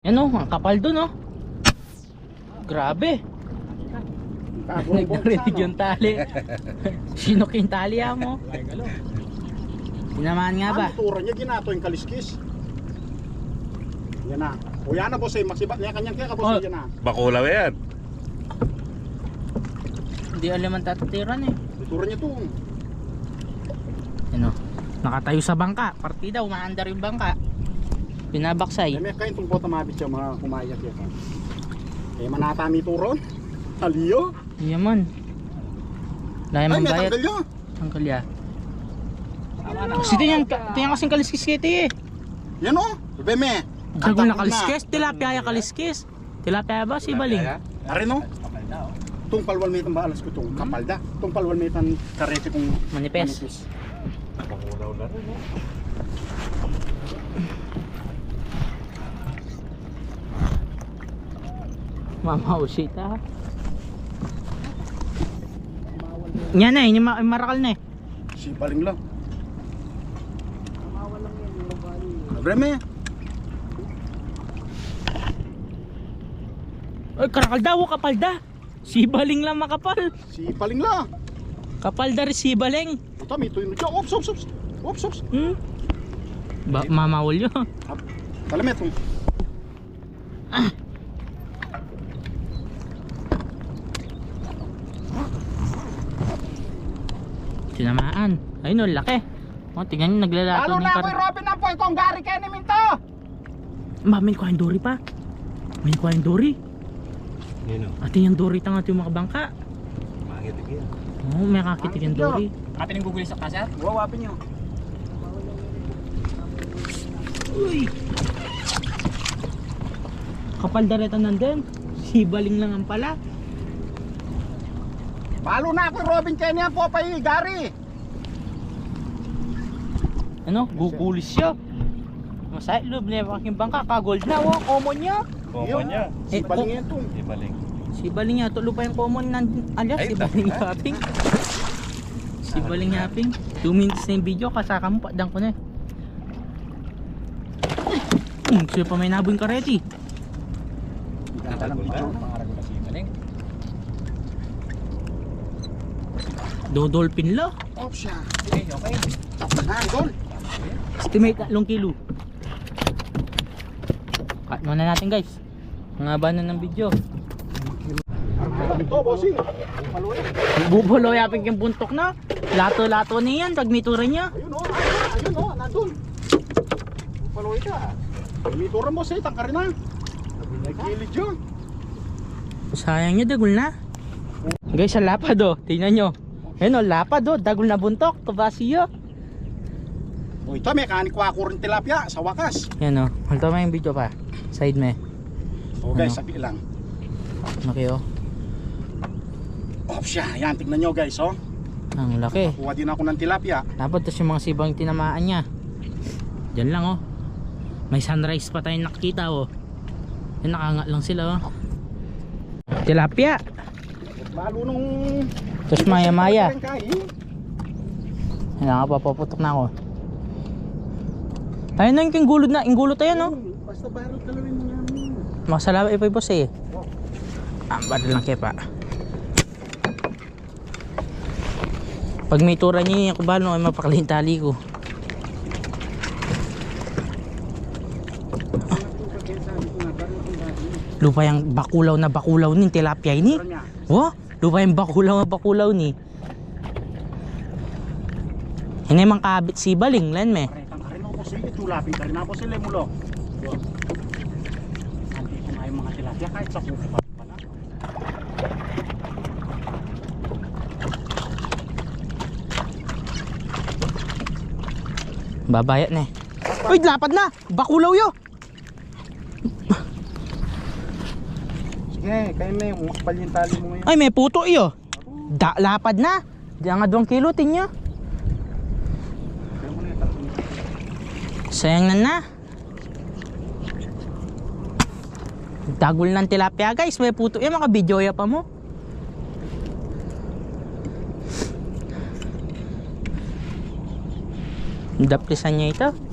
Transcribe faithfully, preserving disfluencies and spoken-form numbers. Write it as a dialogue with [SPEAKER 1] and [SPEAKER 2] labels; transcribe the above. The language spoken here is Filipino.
[SPEAKER 1] Ano, ang kapal dun oh. Grabe. Nagdarinig yung tali. Sinok yung tali ah mo. Tinamaan nga ba?
[SPEAKER 2] Ang turan niya ginato yung kaliskis. Yan na. O yan na boss eh, masibat niya kanyang kaya ka boss
[SPEAKER 1] Oh.
[SPEAKER 2] yan na.
[SPEAKER 3] Bakulaw yan.
[SPEAKER 1] Hindi alam ang tatatiran eh.
[SPEAKER 2] Turan niya to.
[SPEAKER 1] Ano, nakatayo sa bangka. Partida, umaandar yung bangka. Pinabaksay.
[SPEAKER 2] Eh may kain tong bota mabit siya mga kumayak yan. Eh manatami turon. Aliyo.
[SPEAKER 1] Yaman. Dahil
[SPEAKER 2] Ay may
[SPEAKER 1] mambayat.
[SPEAKER 2] tanggal yun.
[SPEAKER 1] Ang kalya. Kasi tingnan, tingnan kasing kaliskis kiti eh.
[SPEAKER 2] Yan o. Beme.
[SPEAKER 1] Dagol na kaliskis. Tilapia ya kaliskis. Tilapia ba? Si Baling.
[SPEAKER 2] Arin o. Tung palwal may alas ko itong kapalda. Tung palwal may tan karete kong
[SPEAKER 1] Manipes.
[SPEAKER 3] Bakulaw na rin. No?
[SPEAKER 1] Mama usita. Yan na eh, yung ma- marakal na eh.
[SPEAKER 2] Si baling lang. Breme.
[SPEAKER 1] Ay, karakal daw, kapal da. Si Baling lang makapal.
[SPEAKER 2] Si baling lang.
[SPEAKER 1] Kapal da rin si Baling.
[SPEAKER 2] Ito may tuyo dyan. Ops, ops, ops. Ops, ops.
[SPEAKER 1] Hmm? Ba mamawal yun.
[SPEAKER 2] Kalamet mo.
[SPEAKER 1] Tinamaan. Ayun o, laki. O, tingnan nyo, naglalato
[SPEAKER 2] Lalo
[SPEAKER 1] ng
[SPEAKER 2] na
[SPEAKER 1] kar...
[SPEAKER 2] ako'y Robin na po. Itong gari kayo ni Minto.
[SPEAKER 1] Ba, may kuha yung dory pa. May kuha yung dory.
[SPEAKER 3] Yun o.
[SPEAKER 1] Ate yung dory tanga ito yung mga bangka.
[SPEAKER 3] Makitig yan.
[SPEAKER 1] Oo, may kakitig yung dory.
[SPEAKER 4] Atin yung gugulis sa kasya?
[SPEAKER 2] Wawapin nyo.
[SPEAKER 1] Uy! Kapal dareta nandun. Si Baling lang ang pala.
[SPEAKER 2] Palo na ako'y Robin kayo niya po pa gari.
[SPEAKER 1] Ano? Gugulis siya. Masaya, loob na yung aking bangka. Kagold na, oh. Common niya.
[SPEAKER 3] Common niya.
[SPEAKER 2] Si
[SPEAKER 1] Eh,
[SPEAKER 2] baling
[SPEAKER 1] oh.
[SPEAKER 2] yan to.
[SPEAKER 3] Di baling.
[SPEAKER 1] Si Baling niya, tulo pa yung common ng alias.
[SPEAKER 3] Ay,
[SPEAKER 1] Si Baling Yaping. Si Baling Yaping. two minutes na yung video, kasaka mo, padang ko na eh. Hmm, sila pa may nabong kareti.
[SPEAKER 3] Natagol na.
[SPEAKER 4] Pangarag na si Maling.
[SPEAKER 1] Dodolphin la.
[SPEAKER 2] Ops siya.
[SPEAKER 4] Okay, okay.
[SPEAKER 2] Tapos na, idol.
[SPEAKER 1] Estimate tatlong kilo. Cut muna natin guys. Ang haba na ng video.
[SPEAKER 2] Ito, bossing. Paluin.
[SPEAKER 1] Bubulo yaping yung buntok na. Lato-lato niyan pag may tura niya.
[SPEAKER 2] Ayun o. Ayun o. Nandun. Paluin ka. May tura mo siya. Tangka rin na. Nagkilid yun.
[SPEAKER 1] Sayang niya, dagol na. Guys, ang lapad oh. Tingnan nyo. Ayun oh, lapad oh. Dagol na buntok. Kabasiyo.
[SPEAKER 2] O ito, mekanik wako rin tilapia sa wakas.
[SPEAKER 1] Yan oh. Halto mo yung video pa. Side me.
[SPEAKER 2] O guys,
[SPEAKER 1] Ano?
[SPEAKER 2] sabi lang.
[SPEAKER 1] Okay oh.
[SPEAKER 2] Ops siya. Yan, tignan nyo guys, oh.
[SPEAKER 1] Ang laki.
[SPEAKER 2] Kuha din ako ng tilapia.
[SPEAKER 1] Dapat tas yung mga sibang tinamaan niya. Diyan lang oh. May sunrise pa tayong nakikita oh. Yan, nakangat lang sila oh. Tilapia.
[SPEAKER 2] Lalo nung...
[SPEAKER 1] Tapos maya maya.
[SPEAKER 2] Kain.
[SPEAKER 1] Yan nga, papaputok na ako. Tayo na yung gulod na. Yung gulod tayo no.
[SPEAKER 2] Basta barrel kalawin mo yan.
[SPEAKER 1] Masalawa ipay boss eh. Ah, badal lang kepa. Pag may tura niya yung kubalo ay mapakali yung tali ko. Lupa yung bakulaw na bakulaw ni tilapia ini. Wah, lupa yung bakulaw na bakulaw ni. Hindi mang kabit si Baling lan me.
[SPEAKER 2] Paretang ka rin ako sila. Tulapin ka rin ako sila mulo. Andito nga yung mga tilapia kahit sa kuko pa pala.
[SPEAKER 1] Babayat na eh. Uy, lapad na! Bakulaw yo!
[SPEAKER 2] Sige, kayo na yung makapal yung tali mo ngayon.
[SPEAKER 1] Ay, may puto iyo. Da, lapad na. Diyan nga doang kilo, tingnan. Sayang na na. Dagol ng tilapia guys. May puto yan. Mga videoya pa mo. Daplisan niya ito.